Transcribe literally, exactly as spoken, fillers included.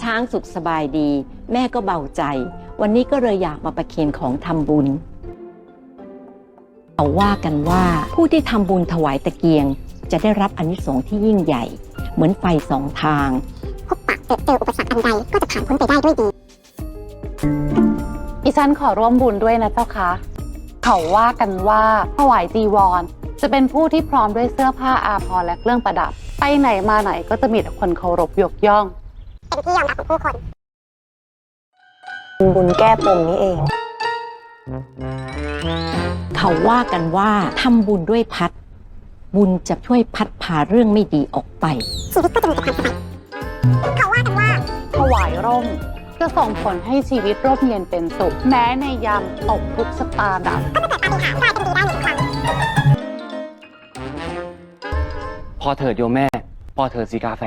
ช้างสุขสบายดีแม่ก็เบาใจวันนี้ก็เลยอยากมาประเคนของทำบุญเขาว่ากันว่าผู้ที่ทำบุญถวายตะเกียงจะได้รับอานิสงส์ที่ยิ่งใหญ่เหมือนไฟสองทางพบปะเจออุปสรรคอันใดก็จะผ่านพ้นไปได้ด้วยดีดิฉันขอร่วมบุญด้วยนะเจ้าคะเขาว่ากันว่าถวายจีวรจะเป็นผู้ที่พร้อมด้วยเสื้อผ้าอาภรณ์และเครื่องประดับไปไหนมาไหนก็จะมีแต่คนเคารพยกย่องเป็นที่ยอมรับของผู้คนบุญแก้ปมนี้เองเขาว่ากันว่าทำบุญด้วยพัดบุญจะช่วยพัดพาเรื่องไม่ดีออกไปชีวิตก็จะมีแต่ความสบายเขาว่ากันว่าถวายร่มจะส่งผลให้ชีวิตร่มเย็นเป็นสุขแม้ในยามตกทุกข์ชะตาดับก็จะเกิดปาฏิหาริย์กลายเป็นดีได้หนึ่งครั้งพอเถิดโยมแม่พอเถิดสีกาแฟ